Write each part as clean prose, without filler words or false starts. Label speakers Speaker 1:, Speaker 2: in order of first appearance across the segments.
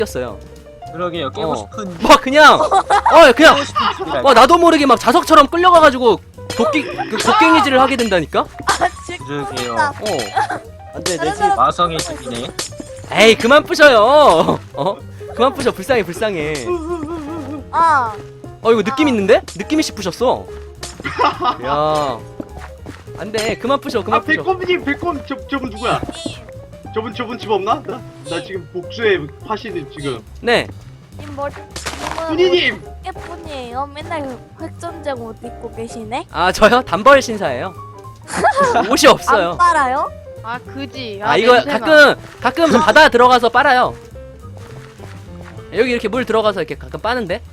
Speaker 1: 꼈어요.
Speaker 2: 그러게요. 깨고 싶은
Speaker 1: 막 그냥 그냥
Speaker 2: 집이랄까.
Speaker 1: 나도 모르게 막 자석처럼 끌려가가지고 곡괭이질을 하게 된다니까.
Speaker 2: 그러게요.
Speaker 1: 안돼 내 집.
Speaker 2: 마성의 집이네.
Speaker 1: 에이 그만 부셔요. 그만 부셔. 불쌍해. 이거 느낌 있는데? 느낌이씩 부셨어. 야 안돼 그만 부셔.
Speaker 3: 아 백곰님 저분 누구야? 저분 집 없나? 나 지금 복수의 화신을 지금.
Speaker 1: 네.
Speaker 3: 훈이님.
Speaker 4: 예쁜이에요. 맨날 획전쟁 옷 입고 계시네.
Speaker 1: 아 저요? 단벌 신사예요. 옷이 없어요.
Speaker 4: 안 빨아요?
Speaker 5: 아 그지.
Speaker 1: 이거
Speaker 5: 냄새나.
Speaker 1: 가끔 좀 바다 들어가서 빨아요. 여기 이렇게 물 들어가서 이렇게 가끔 빠는데.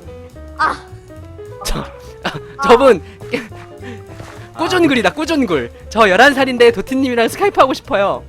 Speaker 1: 저분 꾸준글이다. 꾸준글. 저 11살인데 도티님이랑 스카이프 하고 싶어요.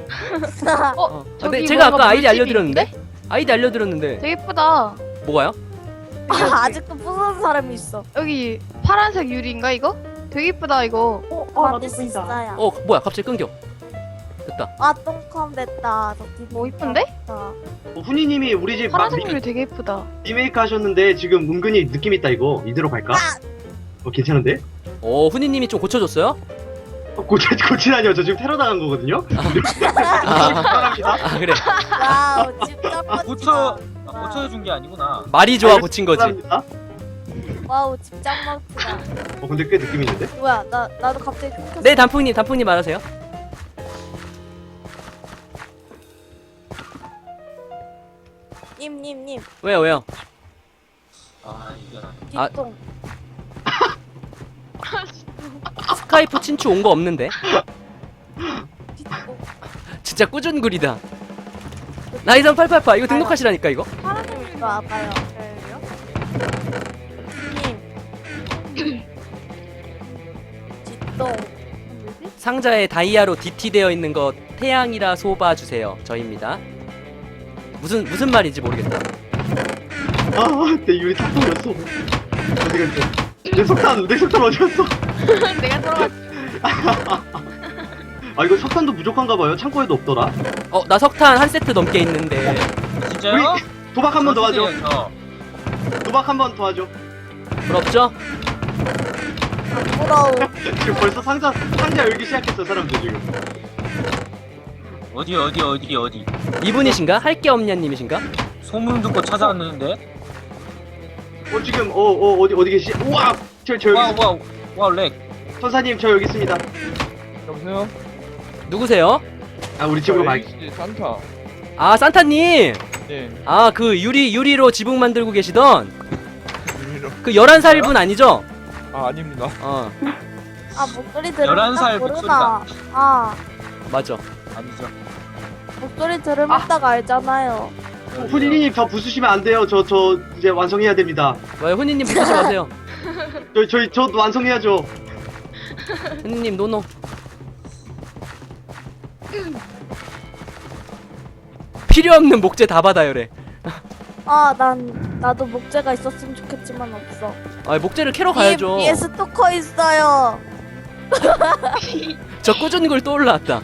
Speaker 5: 저기
Speaker 1: 제가 아까
Speaker 5: 뭔가
Speaker 1: 아이디
Speaker 5: 물집이
Speaker 1: 알려드렸는데?
Speaker 5: 있는데?
Speaker 1: 아이디 알려드렸는데.
Speaker 5: 되게 예쁘다.
Speaker 1: 뭐가요?
Speaker 4: 아직도 부수는 사람이 있어.
Speaker 5: 여기 파란색 유리인가 이거? 되게 예쁘다 이거.
Speaker 4: 만들 수 있어요.
Speaker 1: 뭐야 갑자기 끊겨. 됐다.
Speaker 4: 똥컴 됐다.
Speaker 5: 뭐 이쁜데?
Speaker 3: 훈이님이 우리 집 막
Speaker 5: 파란색 유리 되게 예쁘다.
Speaker 3: 리메이크 하셨는데 지금 은근히 느낌 있다 이거. 이대로 갈까? 괜찮은데?
Speaker 1: 훈이님이 좀 고쳐줬어요?
Speaker 3: 고치다니요. 저 지금 테러 당한 거거든요. 사랑합니다.
Speaker 1: 그래.
Speaker 4: 와우, 진짜 멋지다.
Speaker 2: 고쳐준 게 아니구나.
Speaker 1: 말이 좋아 고친 거지.
Speaker 3: 사랑합니다.
Speaker 4: 와우, 집장 멋지다.
Speaker 3: 근데 꽤 느낌 있는데?
Speaker 4: 뭐야, 나도 갑자기 끊겼어.
Speaker 1: 네 단풍님 말하세요.
Speaker 4: 님.
Speaker 1: 왜요?
Speaker 2: 이거
Speaker 4: 뒷동.
Speaker 1: 스카이프 친추 온 거 없는데?
Speaker 4: 뒷동.
Speaker 1: 진짜 꾸준글이다. 나이선 888 이거 등록하시라니까 이거.
Speaker 5: 파란색 유리
Speaker 4: 이거 와봐요. 님. 뒷동.
Speaker 1: 상자에 다이아로 DT 되어 있는 거 태양이라 소바 주세요. 저입니다. 무슨 말인지 모르겠다.
Speaker 3: 내 유리 다 떨어졌어. 어디 갔어? 내 석탄 어디 갔어?
Speaker 5: 내가 들어갔어.
Speaker 3: 이거 석탄도 부족한가 봐요. 창고에도 없더라.
Speaker 1: 나 석탄 한 세트 넘게 있는데.
Speaker 2: 진짜요?
Speaker 3: 도박 한 번 더 하죠.
Speaker 2: 저.
Speaker 3: 도박 한 번 더 하죠.
Speaker 1: 부럽죠?
Speaker 4: 안 부러워.
Speaker 3: 지금 벌써 상자 열기 시작했어 사람들 지금.
Speaker 2: 어디.
Speaker 1: 이분이신가? 할 게 없냐님이신가?
Speaker 2: 소문 듣고 찾아왔는데.
Speaker 3: 지금 어디 계시지? 우와! 저 여기 있습니다.
Speaker 2: 와 렉.
Speaker 3: 선사님 저 여기 있습니다.
Speaker 6: 여보세요?
Speaker 1: 누구세요?
Speaker 3: 우리 집으로 가.
Speaker 6: ACG 산타.
Speaker 1: 산타님.
Speaker 6: 예.
Speaker 1: 그 유리로 지붕 만들고 계시던
Speaker 6: 유리로.
Speaker 1: 그 11살 분 아니죠?
Speaker 6: 아닙니다.
Speaker 4: 목소리 들으면
Speaker 2: 11살
Speaker 4: 딱 모르나.
Speaker 1: 맞아.
Speaker 2: 아니죠.
Speaker 4: 목소리 들으면 딱 알잖아요.
Speaker 3: 훈이님 저 부수시면 안 돼요. 저 이제 완성해야 됩니다.
Speaker 1: 왜요? 훈이님 부르지 마세요.
Speaker 3: 저 완성해야죠.
Speaker 1: 훈이님 노노. 필요 없는 목재 다 받아요래.
Speaker 4: 나도 목재가 있었으면 좋겠지만 없어.
Speaker 1: 목재를 캐러 가야죠.
Speaker 4: 위에 스토커 있어요.
Speaker 1: 저 꾸준히 걸 또 올라왔다.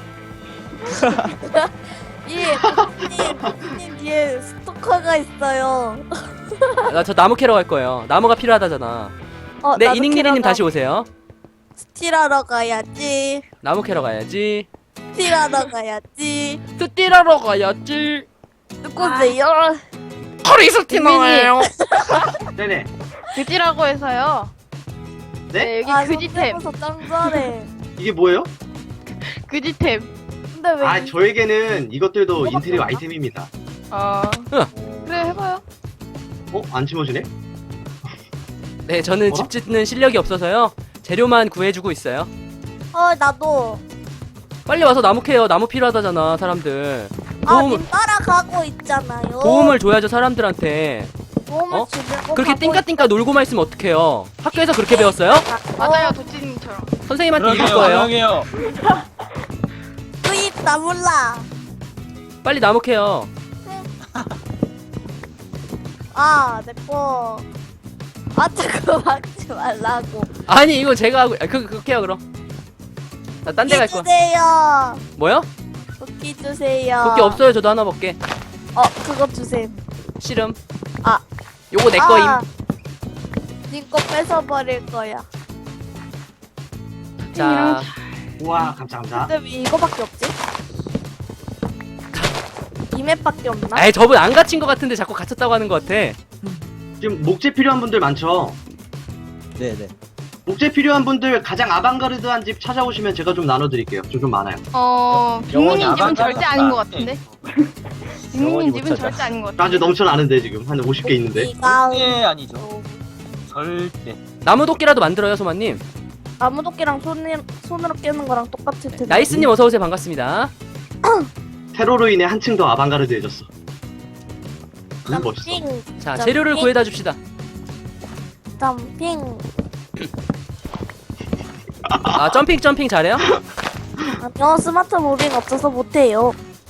Speaker 4: 님 뒤에 스토커가 있어요.
Speaker 1: 나 저 나무 캐러 갈 거예요. 나무가 필요하다잖아. 네,
Speaker 4: 나도
Speaker 1: 이닝니리님
Speaker 4: 캐러
Speaker 1: 다시 오세요.
Speaker 4: 스틸하러 가야지.
Speaker 1: 나무 캐러 가야지.
Speaker 4: 스틸하러 가야지.
Speaker 1: 스틸하러 가야지.
Speaker 4: 누구세요?
Speaker 1: 크리스티나예요.
Speaker 3: 네네.
Speaker 5: 그지라고 해서요.
Speaker 3: 네?
Speaker 5: 여기 그지템.
Speaker 4: 짱 잘해.
Speaker 3: 이게 뭐예요?
Speaker 5: 그지템.
Speaker 4: 근데 왜?
Speaker 3: 저에게는 이것들도 인테리어 아이템입니다.
Speaker 5: 그래 해봐요.
Speaker 3: 안 심어지네?
Speaker 1: 네, 저는 집 짓는 실력이 없어서요. 재료만 구해주고 있어요.
Speaker 4: 나도.
Speaker 1: 빨리 와서 나무 캐요. 나무 필요하다잖아, 사람들.
Speaker 4: 님 따라가고 있잖아요.
Speaker 1: 도움을 줘야죠, 사람들한테.
Speaker 4: 도움을 주려고
Speaker 1: 그렇게
Speaker 4: 가고
Speaker 1: 띵까띵까 놀고 만 있으면 어떡해요? 학교에서 그렇게 배웠어요?
Speaker 5: 맞아요 도찌님처럼.
Speaker 1: 선생님한테 이길 거예요.
Speaker 2: 조용해요.
Speaker 4: 수입 나 몰라.
Speaker 1: 빨리 나무 캐요.
Speaker 4: 내꺼. 자꾸 막지 말라고.
Speaker 1: 아니, 이거 제가 하고, 그렇게 해요, 그럼. 나 딴 데 갈 거야.
Speaker 4: 주세요.
Speaker 1: 뭐요?
Speaker 4: 도끼 주세요.
Speaker 1: 도끼 없어요, 저도 하나 먹게.
Speaker 4: 그거 주세요.
Speaker 1: 씨름.
Speaker 4: 아.
Speaker 1: 요거 내 거임.
Speaker 4: 님거 뺏어버릴 거야.
Speaker 1: 자,
Speaker 3: 우와 감사합니다.
Speaker 4: 근데 왜 이거밖에 없지? 이 맵밖에 없나?
Speaker 1: 아이 저분 안 갇힌 것 같은데 자꾸 갇혔다고 하는 것 같아.
Speaker 3: 지금 목재 필요한 분들 많죠?
Speaker 7: 네네.
Speaker 3: 목재 필요한 분들 가장 아방가르드한 집 찾아오시면 제가 좀 나눠드릴게요. 좀 많아요.
Speaker 5: 빅민님 집은
Speaker 2: 아방가르드
Speaker 5: 절대 아닌 것
Speaker 2: 같다.
Speaker 5: 같은데.
Speaker 7: 영원히
Speaker 5: 빅민님
Speaker 7: 못
Speaker 5: 집은
Speaker 7: 찾아.
Speaker 5: 절대 아닌 것 같아.
Speaker 3: 아주 넘쳐나는데 지금 한 50개 있는데.
Speaker 4: 이가
Speaker 2: 절대 아니죠. 절대.
Speaker 1: 나무 도끼라도 만들어요, 소마님.
Speaker 4: 나무도끼랑 손으로 깨는 거랑 똑같을 텐데.
Speaker 1: 나이스님 어서 오세요. 반갑습니다.
Speaker 3: 테러로 인해 한층 더 아방가르드해졌어. 멋있어.
Speaker 4: 점핑,
Speaker 1: 자,
Speaker 4: 자,
Speaker 1: 재료를
Speaker 4: 핑.
Speaker 1: 구해다 줍시다.
Speaker 4: 점핑.
Speaker 1: 아, 점핑 잘해요?
Speaker 4: 아니요, 스마트 무빙 없어서 못해요.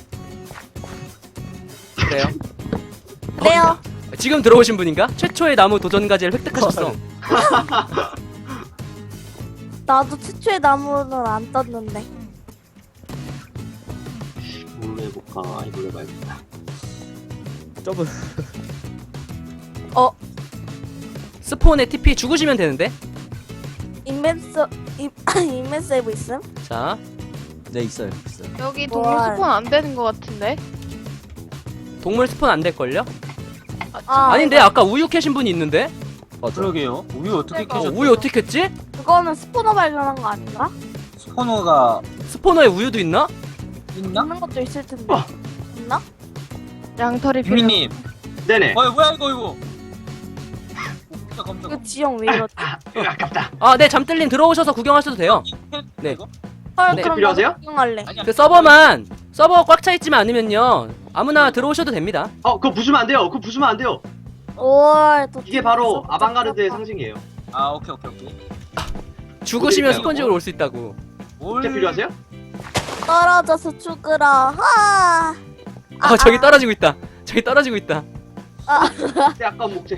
Speaker 1: 그래요.
Speaker 4: 그래요.
Speaker 1: 지금 들어오신 분인가? 최초의 나무 도전 과제를 획득하셨어.
Speaker 4: 나도 최초의 나무는 안 떴는데.
Speaker 3: 뭘로 해볼까? 이걸로 해봐야겠다.
Speaker 7: 저분
Speaker 1: 스폰에 TP 죽으시면 되는데.
Speaker 4: 인벤세이브 있음?
Speaker 1: 자,
Speaker 7: 네 있어요.
Speaker 5: 여기 동물
Speaker 4: 뭘.
Speaker 5: 스폰 안 되는 것 같은데.
Speaker 1: 동물 스폰 안 될걸요?
Speaker 4: 아,
Speaker 1: 아닌데, 아까 우유 캐신 분이 있는데?
Speaker 7: 맞아.
Speaker 2: 그러게요. 우유 어떻게
Speaker 4: 그러니까.
Speaker 2: 캐셨죠?
Speaker 1: 우유 어떻게 캤지?
Speaker 4: 그거는 스포너 발견한 거 아닌가?
Speaker 2: 스포너가
Speaker 1: 스포너에 우유도 있나?
Speaker 2: 있나?
Speaker 4: 있는 것도 있을 텐데.
Speaker 3: 어.
Speaker 4: 있나?
Speaker 5: 양털이 필요.
Speaker 2: 빅민님.
Speaker 3: 네네.
Speaker 2: 뭐야 이거. 진짜 깜짝이야.
Speaker 4: 그 지형 왜 이러지?
Speaker 3: 아깝다.
Speaker 1: 아, 네, 잠들님 들어오셔서 구경하셔도 돼요. 네.
Speaker 2: 이거?
Speaker 4: 헐,
Speaker 1: 네.
Speaker 4: 그럼
Speaker 3: 필요하세요?
Speaker 4: 나도 구경할래.
Speaker 2: 아니야.
Speaker 1: 그 서버 꽉 차 있지만 않으면요. 아무나 들어오셔도 됩니다.
Speaker 3: 그거 부수면 안 돼요. 그거 부수면 안 돼요.
Speaker 4: 올, 또
Speaker 3: 이게 바로
Speaker 4: 재밌어.
Speaker 3: 아방가르드의 상징이에요.
Speaker 2: 아 오케이.
Speaker 1: 죽으시면
Speaker 3: 어디
Speaker 1: 스펀지로 올 수 있다고.
Speaker 3: 목재 필요하세요?
Speaker 4: 떨어져서 죽으라. 하.
Speaker 1: 저기 떨어지고 있다. 저기 떨어지고 있다.
Speaker 3: 네, 아까운 목재.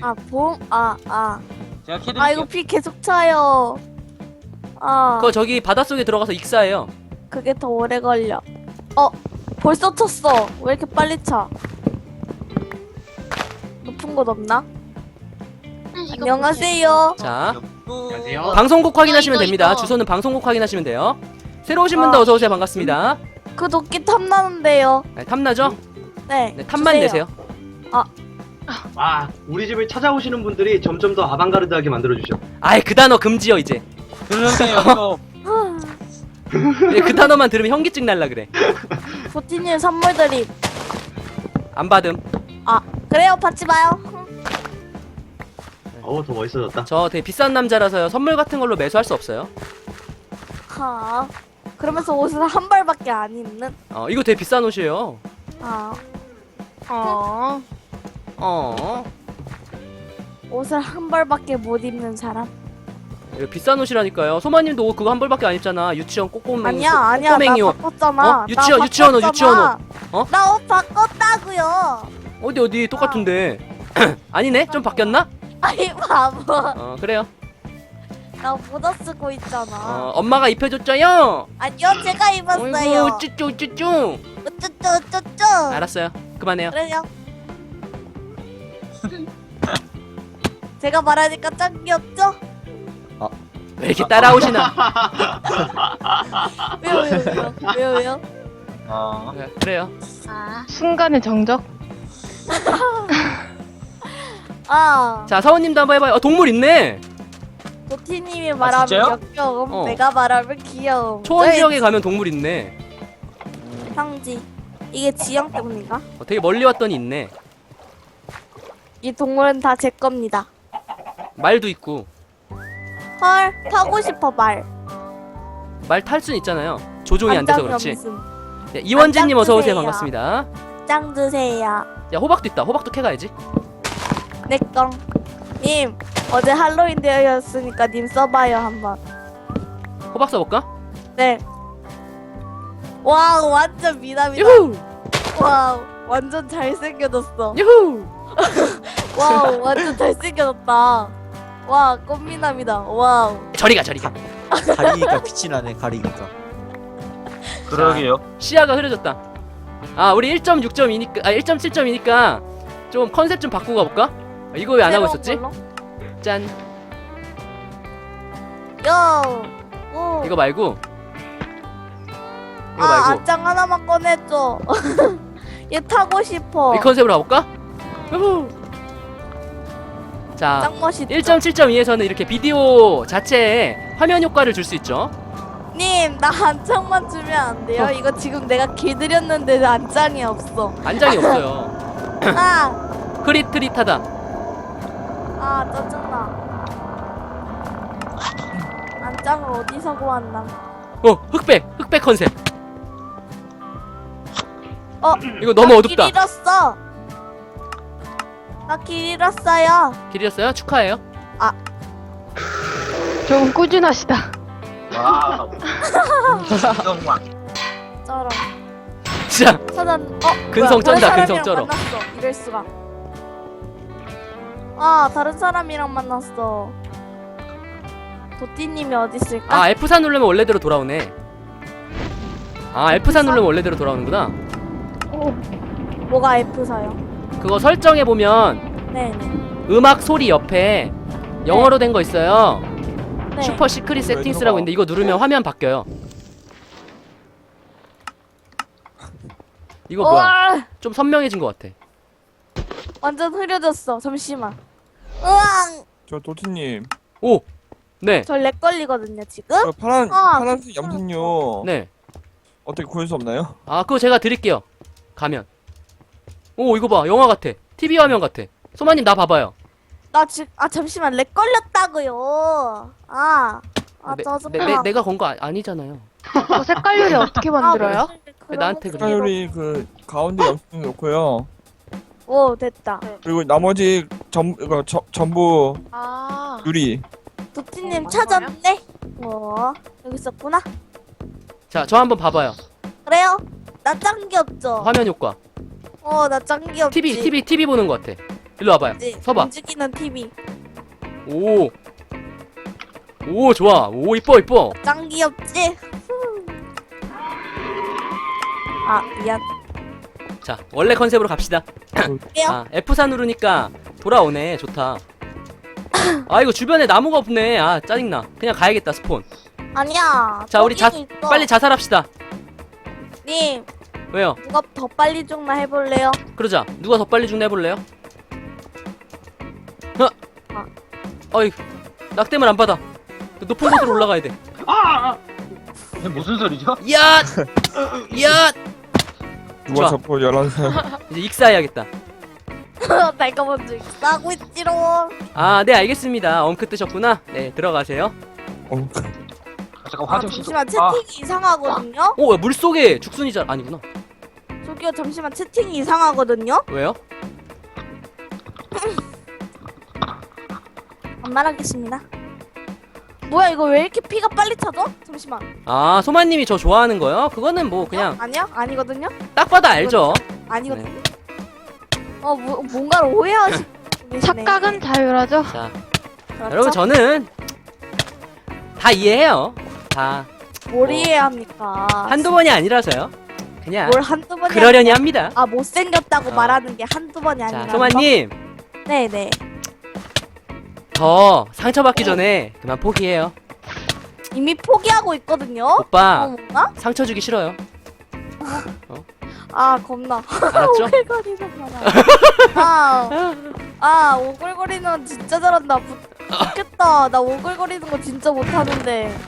Speaker 2: 제가 캐드릴게요.
Speaker 4: 아, 이거 피 계속 차요.
Speaker 1: 그거 저기 바닷속에 들어가서 익사해요.
Speaker 4: 그게 더 오래 걸려. 벌써 쳤어. 왜 이렇게 빨리 차? 높은 곳 없나? 안녕하세요.
Speaker 1: 자,
Speaker 3: 안녕하세요.
Speaker 1: 방송국 확인하시면
Speaker 5: 이거,
Speaker 1: 됩니다.
Speaker 5: 이거.
Speaker 1: 주소는 방송국 확인하시면 돼요. 새로 오신 분도 어서 오세요. 반갑습니다.
Speaker 4: 그 도끼 탐나는데요.
Speaker 1: 네, 탐나죠?
Speaker 4: 네.
Speaker 1: 네, 탐만
Speaker 4: 주세요.
Speaker 1: 내세요.
Speaker 3: 우리 집을 찾아오시는 분들이 점점 더 아방가르드하게 만들어주셔.
Speaker 1: 아이, 그 단어 금지요, 이제.
Speaker 2: 그러세요. 이거
Speaker 1: 네, 그 단어만 들으면 현기증 날라 그래.
Speaker 4: 보티님 선물 드림.
Speaker 1: 안 받음.
Speaker 4: 그래요, 받지 마요.
Speaker 3: 더 멋있어졌다.
Speaker 1: 저 되게 비싼 남자라서요. 선물 같은 걸로 매수할 수 없어요.
Speaker 4: 하. 그러면서 옷을 한 벌밖에 안 입는.
Speaker 1: 이거 되게 비싼 옷이에요.
Speaker 4: 옷을 한 벌밖에 못 입는 사람.
Speaker 1: 이거 비싼 옷이라니까요. 소마님도 옷 그거 한 벌밖에 안 입잖아. 유치원 꼬꼬맹이.
Speaker 4: 아니야,
Speaker 1: 꼬꼬맹이
Speaker 4: 나
Speaker 1: 옷.
Speaker 4: 바꿨잖아.
Speaker 1: 유치원,
Speaker 4: 나
Speaker 1: 유치원 옷,
Speaker 4: 바꿨잖아.
Speaker 1: 유치원 옷.
Speaker 4: 나 옷 바꿨다고요.
Speaker 1: 어디 똑같은데. 아니네? 좀 바뀌었나?
Speaker 4: 아이 바보.
Speaker 1: 그래요.
Speaker 4: 나 모자 쓰고 있잖아.
Speaker 1: 엄마가 입혀줬죠요.
Speaker 4: 아니요, 제가 입었어요.
Speaker 1: 어이구, 쭈쭈쭈쭈.
Speaker 4: 우쭈쭈쭈쭈.
Speaker 1: 알았어요. 그만해요.
Speaker 4: 그래요. 제가 말하니까 짱 귀엽죠?
Speaker 1: 왜 이렇게 따라오시나?
Speaker 4: 왜요?
Speaker 1: 네, 그래요.
Speaker 5: 순간의 정적.
Speaker 1: 자, 사원님도 한번 해봐요. 동물 있네.
Speaker 4: 도티님이 말하면
Speaker 2: 진짜요?
Speaker 4: 역겨움, 내가 말하면 귀여움.
Speaker 1: 초원
Speaker 4: 저의
Speaker 1: 지역에 가면 동물 있네.
Speaker 4: 상지. 이게 지형 때문인가?
Speaker 1: 되게 멀리 왔더니 있네.
Speaker 4: 이 동물은 다 제 겁니다.
Speaker 1: 말도 있고.
Speaker 4: 헐, 타고 싶어 말.
Speaker 1: 말 탈 순 있잖아요. 조종이 안 돼서 그렇지.
Speaker 4: 무슨
Speaker 1: 네, 이원진님 어서 오세요.
Speaker 4: 주세요.
Speaker 1: 반갑습니다.
Speaker 4: 짱 드세요.
Speaker 1: 야, 호박도 있다. 호박도 캐가야지.
Speaker 4: 내꺼. 님, 어제 할로윈 데이였으니까 님 써봐요 한번.
Speaker 1: 호박 써볼까?
Speaker 4: 네. 와우, 완전 미남이다.
Speaker 1: 유후!
Speaker 4: 와우, 완전 잘생겨졌어.
Speaker 1: 유후!
Speaker 4: 와우, 완전 잘생겨졌다. 와, 꽃미남이다. 와우.
Speaker 1: 저리가, 저리가.
Speaker 7: 가리니까 빛이 나네. 가리니까.
Speaker 2: 그러게요.
Speaker 1: 시야가 흐려졌다. 아 우리 1.6.2니까 1.7.2니까 좀 컨셉 좀 바꾸고 가볼까? 이거 왜 안 하고 있었지?
Speaker 4: 걸로?
Speaker 1: 짠.
Speaker 4: 요. 오.
Speaker 1: 이거 말고 이거
Speaker 4: 아,
Speaker 1: 말고
Speaker 4: 안장 하나만 꺼내줘. 얘 타고 싶어.
Speaker 1: 이 컨셉으로 가볼까? 후후. 자
Speaker 4: 짱 멋있다.
Speaker 1: 1.7.2에서는 이렇게 비디오 자체에 화면 효과를 줄 수 있죠.
Speaker 4: 님, 나 안장만 주면 안 돼요? 이거 지금 내가 길들였는데 안장이 없어.
Speaker 1: 안장이 없어요.
Speaker 4: 아,
Speaker 1: 흐릿흐릿하다.
Speaker 4: 아, 짜증나. 안장을 어디서 구한다?
Speaker 1: 흑백 컨셉. 이거 너무
Speaker 4: 나
Speaker 1: 어둡다.
Speaker 4: 길 잃었어. 나 길 잃었어요.
Speaker 1: 길이었어요? 축하해요.
Speaker 5: 좀 꾸준하시다.
Speaker 2: 와우. 이정왕.
Speaker 4: 쩔어.
Speaker 1: 진짜
Speaker 4: 사단,
Speaker 1: 근성
Speaker 4: 뭐야, 다른
Speaker 1: 쩐다, 근성
Speaker 4: 사람이랑
Speaker 1: 쩔어.
Speaker 4: 만났어. 이럴 수가. 아, 다른 사람이랑 만났어. 도띠님이 어디 있을까?
Speaker 1: 아 F4 누르면 원래대로 돌아오네. 아 F4 누르면 원래대로 돌아오는구나.
Speaker 4: 뭐가 F4요?
Speaker 1: 그거 설정해 보면
Speaker 4: 네네.
Speaker 1: 음악 소리 옆에 영어로 된 거 있어요.
Speaker 4: 네.
Speaker 1: 슈퍼 시크릿
Speaker 6: 왜
Speaker 1: 세팅스라고
Speaker 6: 들어가?
Speaker 1: 있는데 이거 누르면 화면 바뀌어요. 이거 뭐야?
Speaker 4: 우와,
Speaker 1: 좀 선명해진 것 같아.
Speaker 4: 완전 흐려졌어. 잠시만. 으앙!
Speaker 6: 저 도티님.
Speaker 1: 오, 네,
Speaker 4: 저 렉 걸리거든요, 지금?
Speaker 6: 저 파란
Speaker 4: 아,
Speaker 6: 파란색 염색료
Speaker 1: 네.
Speaker 6: 어떻게 구할 수 없나요?
Speaker 1: 아 그거 제가 드릴게요. 가면. 오 이거 봐, 영화 같아. TV 화면 같아. 소마님 나 봐봐요.
Speaker 4: 나 지금, 아, 잠시만. 렉 걸렸다고요. 짜증나.
Speaker 1: 내가 건 거 아니잖아요.
Speaker 5: 그 색깔 요리 어떻게 만들어요?
Speaker 1: 나한테 그래.
Speaker 6: 색깔이 그 가운데 염색료 놓고요.
Speaker 4: 오, 됐다.
Speaker 6: 그리고 나머지 전부
Speaker 5: 아.
Speaker 6: 유리.
Speaker 4: 도티님 찾았네? 여기 있었구나?
Speaker 1: 자, 저 한번 봐봐요.
Speaker 4: 그래요? 나 짱 귀엽죠?
Speaker 1: 화면 효과.
Speaker 4: 나 짱 귀엽지?
Speaker 1: TV 보는 거 같아. 일로 와봐요.
Speaker 4: 그치?
Speaker 1: 서봐.
Speaker 4: 움직이는 TV.
Speaker 1: 오. 오, 좋아. 오, 이뻐.
Speaker 4: 짱 귀엽지? 아, 미안.
Speaker 1: 자, 원래 컨셉으로 갑시다.
Speaker 4: 그래요?
Speaker 1: 아, F4 누르니까 돌아오네. 좋다. 아, 이거 주변에 나무가 없네. 아, 짜증나. 그냥 가야겠다, 스폰.
Speaker 4: 아니야.
Speaker 1: 자, 우리
Speaker 4: 저기는 있어.
Speaker 1: 빨리 자살합시다.
Speaker 4: 님,
Speaker 1: 왜요?
Speaker 4: 누가 더 빨리 죽나 해볼래요?
Speaker 1: 그러자. 누가 더 빨리 죽나 해볼래요? 어이, 낙뎀을 안 받아. 높은 곳으로 올라가야 돼.
Speaker 2: 이게 무슨 소리죠?
Speaker 1: 야! 야!
Speaker 6: 누가
Speaker 1: 좋아.
Speaker 6: 자꾸 11살.
Speaker 1: 이제 익사해야겠다.
Speaker 4: 내가 먼저 싸고 있지롱.
Speaker 1: 아, 네, 알겠습니다. 엉크 뜨셨구나. 네, 들어가세요.
Speaker 2: 잠깐 화장실 좀.
Speaker 4: 잠시만 채팅이 이상하거든요?
Speaker 1: 오, 야, 물속에 죽순이잖아. 아니구나.
Speaker 4: 저기요, 잠시만 채팅이 이상하거든요?
Speaker 1: 왜요?
Speaker 4: 안 말하겠습니다. 뭐야, 이거 왜 이렇게 피가 빨리 차죠? 잠시만.
Speaker 1: 아, 소마님이 저 좋아하는 거요? 그거는 뭐 그냥
Speaker 4: 아니야? 아니거든요?
Speaker 1: 딱 봐도 알죠.
Speaker 4: 아니거든요? 뭔가를 오해하시고 계시네.
Speaker 5: 착각은 자유라죠.
Speaker 1: 자,
Speaker 4: 그렇죠?
Speaker 1: 여러분 저는 다 이해해요. 다
Speaker 4: 뭘 이해해야 합니까?
Speaker 1: 한두 번이 아니라서요. 그냥
Speaker 4: 뭘 한두 번이
Speaker 1: 그러려니 합니다.
Speaker 4: 아, 못생겼다고
Speaker 1: 어.
Speaker 4: 말하는 게 한두 번이 아니라.
Speaker 1: 자, 소마님
Speaker 4: 네네.
Speaker 1: 더 상처받기 전에 그만 포기해요.
Speaker 4: 이미 포기하고 있거든요?
Speaker 1: 오빠
Speaker 4: 뭔가?
Speaker 1: 상처 주기 싫어요.
Speaker 4: 아, 겁나.
Speaker 1: 알았죠?
Speaker 4: 오글거리는 거라. 오글거리는 건 진짜 잘한다. 좋겠다. 나 오글거리는 거 진짜 못하는데.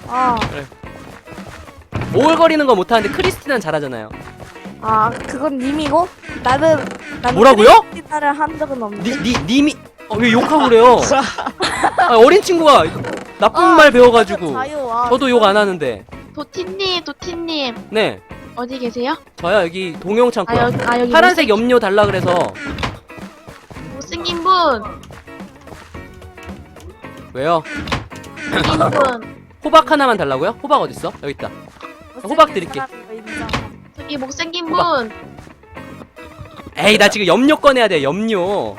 Speaker 1: 오글거리는 거 못하는데 크리스티나는 잘하잖아요.
Speaker 4: 그건 님이고? 나는
Speaker 1: 뭐라고요?
Speaker 4: 크리스티나를 한 적은 없는데.
Speaker 1: 님이 왜 욕하고 그래요? 아, 어린 친구가 나쁜 말 배워가지고
Speaker 4: 자유.
Speaker 1: 저도 욕 안 하는데.
Speaker 5: 도티님
Speaker 1: 네,
Speaker 5: 어디 계세요?
Speaker 1: 저요 여기 동용 창고요.
Speaker 5: 여기
Speaker 1: 파란색 염료 달라 그래서.
Speaker 5: 못생긴 분.
Speaker 1: 왜요?
Speaker 5: 못생긴 분.
Speaker 1: 호박 하나만 달라고요? 호박 어딨어? 여기 있다. 호박 드릴게.
Speaker 5: 저기 못생긴
Speaker 1: 호박.
Speaker 5: 분.
Speaker 1: 에이, 나 지금 염료 꺼내야 돼. 염료.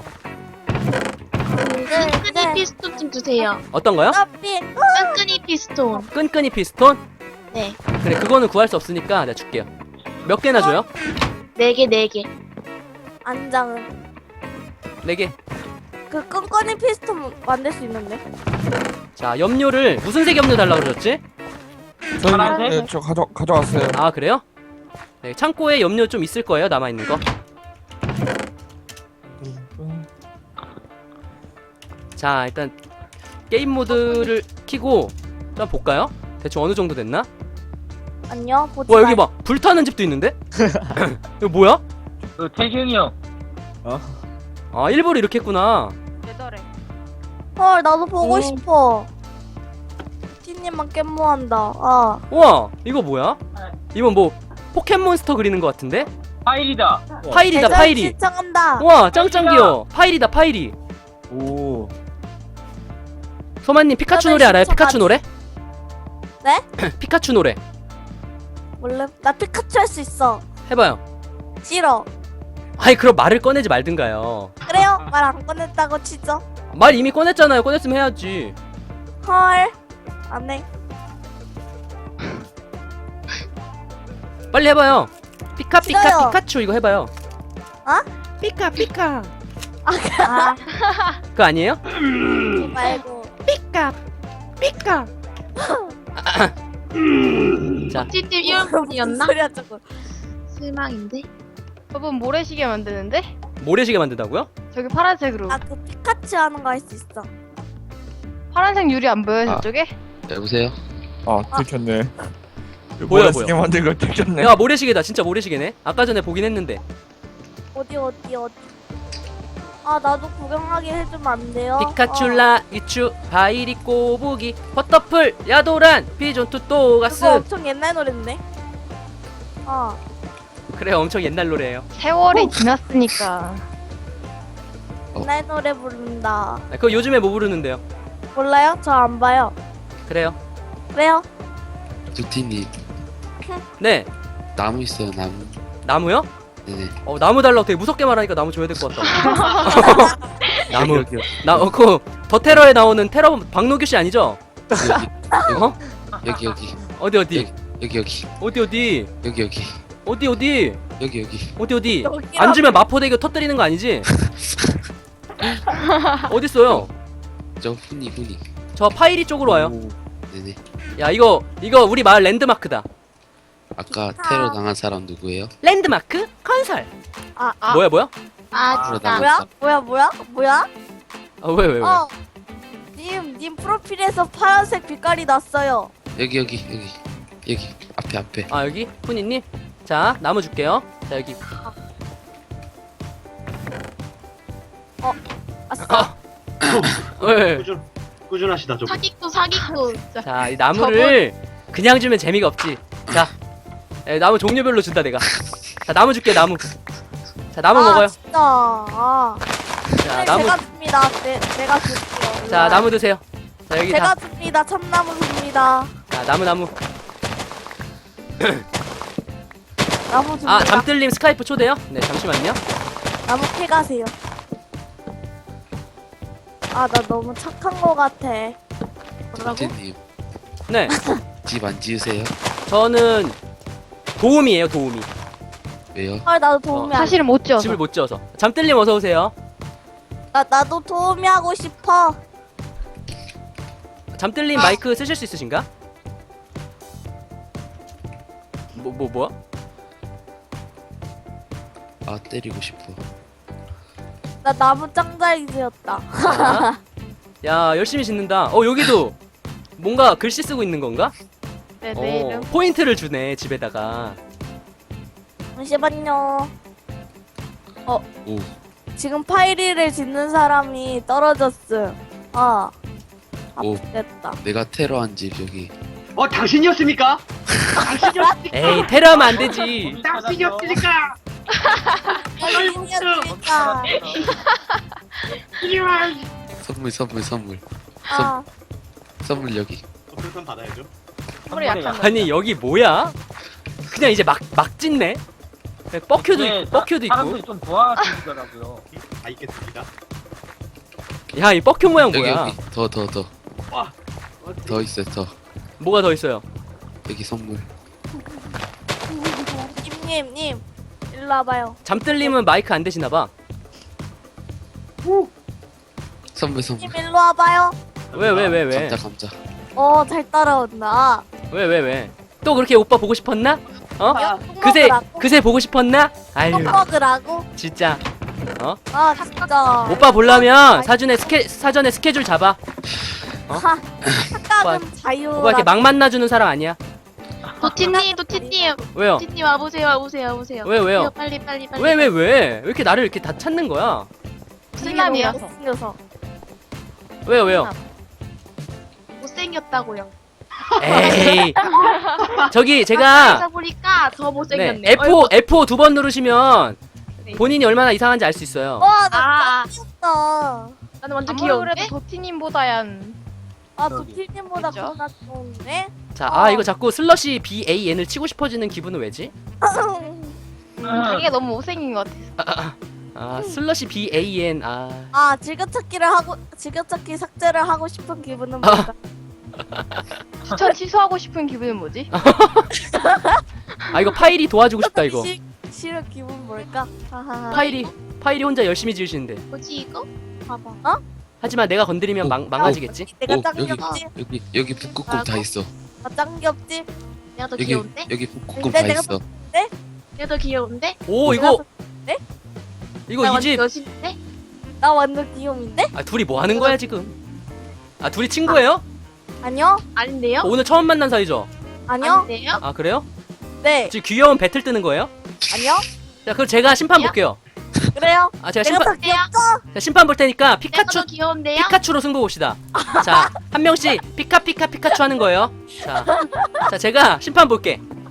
Speaker 5: 끈끈이 피스톤 좀 주세요.
Speaker 1: 어떤 거요?
Speaker 5: 끈끈이 피스톤.
Speaker 1: 끈끈이 피스톤?
Speaker 5: 네.
Speaker 1: 그래, 그거는 구할 수 없으니까 내가 줄게요. 몇 개나 줘요?
Speaker 8: 4개.
Speaker 4: 안장은
Speaker 1: 4개.
Speaker 4: 그 끈끈이 피스톤 만들 수 있는데.
Speaker 1: 자, 염료를 무슨 색 염료 달라고 그러셨지?
Speaker 6: 저희
Speaker 2: 파란색?
Speaker 6: 네, 저 가져왔어요.
Speaker 1: 아, 그래요? 네, 창고에 염료 좀 있을 거예요. 남아 있는 거. 자, 일단 게임 모드를 켜고 좀 볼까요? 대충 어느 정도 됐나?
Speaker 4: 아니요, 보지
Speaker 1: 와, 여기
Speaker 4: 말-
Speaker 1: 막 불타는 집도 있는데? 이거 뭐야?
Speaker 2: 그 태경이 형.
Speaker 1: 아, 일부러 이렇게 했구나.
Speaker 4: 헐, 나도 보고
Speaker 6: 오.
Speaker 4: 싶어. 티님만 깻모한다. 아,
Speaker 1: 우와, 이거 뭐야? 이건 뭐 포켓몬스터 그리는 것 같은데?
Speaker 2: 파일이다.
Speaker 1: 파일이다,
Speaker 4: 대전
Speaker 1: 파일이.
Speaker 4: 신청한다.
Speaker 1: 우와, 짱짱 귀여워. 파일이다, 파일이.
Speaker 7: 오.
Speaker 1: 소마님 피카츄
Speaker 4: 나도
Speaker 1: 노래 알아요?
Speaker 4: 신청하지.
Speaker 1: 피카츄 노래?
Speaker 4: 네?
Speaker 1: 피카츄 노래
Speaker 4: 원래 나 피카츄 할 수 있어.
Speaker 1: 해봐요.
Speaker 4: 싫어.
Speaker 1: 아이, 그럼 말을 꺼내지 말든가요.
Speaker 4: 그래요? 말 안 꺼냈다고 치죠?
Speaker 1: 말 이미 꺼냈잖아요. 꺼냈으면 해야지.
Speaker 4: 헐. 안 해.
Speaker 1: 빨리 해봐요. 피카 피카
Speaker 4: 싫어요.
Speaker 1: 피카츄 이거 해봐요.
Speaker 4: 어?
Speaker 1: 피카 피카.
Speaker 4: 아,
Speaker 1: 그거 아니에요?
Speaker 4: 그러지 말고.
Speaker 1: 피카 피카. 자,
Speaker 8: 찌찌
Speaker 4: 무슨
Speaker 8: 이런분이었나?
Speaker 4: 소리야 저거.
Speaker 8: 실망인데?
Speaker 5: 저분 모래시계 만드는데?
Speaker 1: 모래시계 만든다고요?
Speaker 5: 저기 파란색으로.
Speaker 4: 아, 그 피카츄 하는 거 할 수 있어.
Speaker 5: 파란색 유리 안 보여요,
Speaker 9: 아.
Speaker 5: 저쪽에?
Speaker 9: 여보세요?
Speaker 6: 아, 들켰네.
Speaker 1: 보여,
Speaker 6: 시계 만든 거 들켰네.
Speaker 1: 야, 모래시계다. 진짜 모래시계네. 아까 전에 보긴 했는데.
Speaker 4: 어디. 아, 나도 구경하게 해주면 안 돼요?
Speaker 1: 피카츄라 이츄 바이리 꼬부기 버터풀 야도란 피존
Speaker 4: 그거
Speaker 1: 투또가스.
Speaker 4: 엄청 옛날 노래인데. 어.
Speaker 1: 그래, 엄청 옛날 노래예요.
Speaker 5: 세월이 지났으니까.
Speaker 4: 옛날 노래 부른다.
Speaker 1: 아, 그거 요즘에 뭐 부르는데요?
Speaker 4: 몰라요? 저 안 봐요.
Speaker 1: 그래요.
Speaker 4: 왜요?
Speaker 9: 두티님
Speaker 1: 네,
Speaker 9: 나무 있어요 나무.
Speaker 1: 나무요?
Speaker 9: 네네.
Speaker 1: 나무 달라고 되게 무섭게 말하니까 나무 줘야 될 것 같다. 나무.
Speaker 9: 여기
Speaker 1: 더 테러에 나오는 테러 박노규 씨 아니죠? 어?
Speaker 9: 여기 여기
Speaker 1: 어디 어디
Speaker 9: 여기 여기
Speaker 1: 어디 어디
Speaker 9: 여기 여기
Speaker 1: 어디 어디
Speaker 9: 여기 여기
Speaker 1: 어디 어디
Speaker 4: 여기라고.
Speaker 1: 안 주면 마포대교 터뜨리는 거 아니지? 어디 있어요?
Speaker 9: 저 훈이
Speaker 1: 저 파이리 쪽으로 와요.
Speaker 9: 네네.
Speaker 1: 야, 이거 우리 마을 랜드마크다.
Speaker 9: 아까 테러 당한 사람 누구예요?
Speaker 1: 랜드마크 건설.
Speaker 4: 아,
Speaker 1: 뭐야?
Speaker 8: 아,
Speaker 9: 테러
Speaker 8: 진짜.
Speaker 9: 당한
Speaker 4: 뭐야?
Speaker 1: 아, 왜?
Speaker 4: 어. 님 프로필에서 파란색 빛깔이 났어요.
Speaker 9: 여기 앞에
Speaker 1: 아, 여기 훈이님. 자, 나무 줄게요. 자, 여기.
Speaker 4: 아싸.
Speaker 1: 왜?
Speaker 3: 꾸준하시다 저분.
Speaker 8: 사기꾼.
Speaker 1: 자, 이 나무를 그냥 주면 재미가 없지. 자, 나무 종류별로 준다 내가. 자, 나무 줄게, 나무. 자, 나무 먹어요.
Speaker 4: 진짜. 아.
Speaker 1: 자,
Speaker 4: 네,
Speaker 1: 나무.
Speaker 4: 제가 줍니다. 내가 줄게요.
Speaker 1: 자, 나무 드세요. 자, 여기
Speaker 4: 제가
Speaker 1: 다.
Speaker 4: 줍니다. 참나무 줍니다.
Speaker 1: 자, 나무.
Speaker 4: 나무 줍니다.
Speaker 1: 아, 잠들님 스카이프 초대요? 네, 잠시만요.
Speaker 4: 나무 캐가세요. 아, 나 너무 착한 거 같아. 뭐라고?
Speaker 9: 두티님
Speaker 1: 네,
Speaker 9: 집 안 지으세요?
Speaker 1: 저는 도우미예요, 도우미.
Speaker 9: 왜요?
Speaker 4: 헐, 나도 도우미 안
Speaker 5: 사실은 못 지어서.
Speaker 1: 집을 못 지어서. 잠들님 어서 오세요.
Speaker 4: 나도 도우미 하고 싶어.
Speaker 1: 잠들님 마이크 쓰실 수 있으신가? 뭐야?
Speaker 9: 아 때리고 싶어.
Speaker 4: 나 나무 짱잘 지었다.
Speaker 1: 자. 야, 열심히 짓는다. 여기도 뭔가 글씨 쓰고 있는 건가?
Speaker 5: 네, 내 이름.
Speaker 1: 포인트를 주네, 집에다가.
Speaker 4: 잠시만요.
Speaker 9: 오
Speaker 4: 지금 파이리를 짓는 사람이 떨어졌음. 아,
Speaker 9: 오.
Speaker 4: 됐다.
Speaker 9: 내가 테러한 집 여기.
Speaker 3: 당신이었습니까? 당신이었습니까?
Speaker 1: 에이, 테러하면 안 되지.
Speaker 3: 당신이었습니까?
Speaker 4: 파이리였으니까.
Speaker 9: 선물
Speaker 4: 아,
Speaker 9: 선물 여기.
Speaker 3: 별선 받아야죠.
Speaker 5: 선물이 약한 거.
Speaker 1: 아니, 여기 뭐야? 그냥 이제 막 짓네? 뻑큐도
Speaker 2: 네,
Speaker 1: 있고, 뻑큐도 있고.
Speaker 2: 사람들이 좀 좋아하시더라고요.
Speaker 3: 다 있겠습니다.
Speaker 1: 야, 이 뻑큐 모양
Speaker 9: 여기
Speaker 1: 뭐야?
Speaker 9: 여기 더
Speaker 3: 와.
Speaker 9: 있어요 더.
Speaker 1: 뭐가 더 있어요?
Speaker 9: 여기 선물.
Speaker 4: 님, 일로 일로 와봐요.
Speaker 1: 잠들림은 마이크 안 되시나봐.
Speaker 9: 선물
Speaker 4: 님
Speaker 9: 선물.
Speaker 4: 일로 와봐요.
Speaker 1: 왜?
Speaker 9: 감자.
Speaker 4: 잘 따라온다.
Speaker 1: 왜? 또 그렇게 오빠 보고 싶었나? 어?
Speaker 3: 아,
Speaker 1: 그새 보고 싶었나? 아유,
Speaker 4: 똥 먹으라고?
Speaker 1: 진짜.
Speaker 4: 아 진짜.
Speaker 1: 오빠 보려면 사전에 스케줄 잡아.
Speaker 4: 착각은 자유.
Speaker 1: 오빠 이렇게 막 만나주는 사람 아니야.
Speaker 8: 도티님
Speaker 1: 왜요?
Speaker 8: 도티님 와보세요.
Speaker 1: 왜요?
Speaker 8: 빨리.
Speaker 1: 왜 이렇게 나를 이렇게 다 찾는 거야?
Speaker 5: 슬람이라서.
Speaker 4: 생겨서.
Speaker 1: 왜요?
Speaker 8: 못생겼다고요.
Speaker 1: 에이. 저기
Speaker 8: 가까이서
Speaker 1: 제가
Speaker 8: 보니까 더
Speaker 1: 네,
Speaker 8: 못생겼네.
Speaker 1: F5 두 번 누르시면
Speaker 8: 네.
Speaker 1: 본인이 얼마나 이상한지 알 수 있어요.
Speaker 4: 와나
Speaker 8: 아,
Speaker 4: 귀엽다.
Speaker 8: 나는 완전
Speaker 5: 아무리 그래도
Speaker 8: 귀여운데?
Speaker 5: 도티님보다yan.
Speaker 4: 도티님보다
Speaker 1: 그렇죠.
Speaker 4: 겁나 좋은데?
Speaker 1: 자, 이거 자꾸 슬러시 BAN을 치고 싶어지는 기분은 왜지?
Speaker 5: 자기가 너무 못생긴 것 같아.
Speaker 1: 슬러시 BAN
Speaker 4: 즐겨찾기 삭제를 하고 싶은 기분은 뭔가?
Speaker 5: 추천 취소하고 싶은 기분은 뭐지?
Speaker 1: 이거 파일이 도와주고 싶다 이거.
Speaker 4: 싫은 기분 뭘까? 하하하.
Speaker 1: 파일이 혼자 열심히 지으시는데.
Speaker 8: 뭐지 이거?
Speaker 4: 봐봐.
Speaker 1: 하지만 내가 건드리면 망가지겠지?
Speaker 4: 내가
Speaker 9: 오,
Speaker 4: 짱
Speaker 9: 여기
Speaker 4: 귀엽지?
Speaker 9: 여기 북극곰 다 있어.
Speaker 4: 짱 귀엽지?
Speaker 8: 내가 더
Speaker 9: 여기
Speaker 8: 귀여운데?
Speaker 9: 여기 북극곰
Speaker 4: 근데
Speaker 9: 다
Speaker 4: 내가
Speaker 9: 있어.
Speaker 8: 내가 더 귀여운데?
Speaker 1: 오,
Speaker 4: 내가
Speaker 1: 이거
Speaker 8: 나
Speaker 1: 이 집.
Speaker 8: 완전 여신인데?
Speaker 4: 나 완전 귀여운데?
Speaker 1: 둘이 뭐 하는 거야 지금? 둘이 친구예요?
Speaker 4: 아니요?
Speaker 8: 아닌데요?
Speaker 1: 오늘 처음 만난 사이죠?
Speaker 4: 아니요?
Speaker 8: 아닌데요?
Speaker 1: 그래요?
Speaker 4: 네.
Speaker 1: 지금 귀여운 배틀 뜨는 거예요?
Speaker 4: 아니요?
Speaker 1: 자, 그럼 제가 심판 볼게요.
Speaker 4: 그래요?
Speaker 1: 제가
Speaker 4: 내가 더
Speaker 1: 심판
Speaker 4: 귀엽죠?
Speaker 1: 심판 볼 테니까
Speaker 8: 내가 더 귀여운데요?
Speaker 1: 피카츄로 승부 봅시다. 자, 한 명씩 피카츄 하는 거예요. 자, 제가 심판 볼게.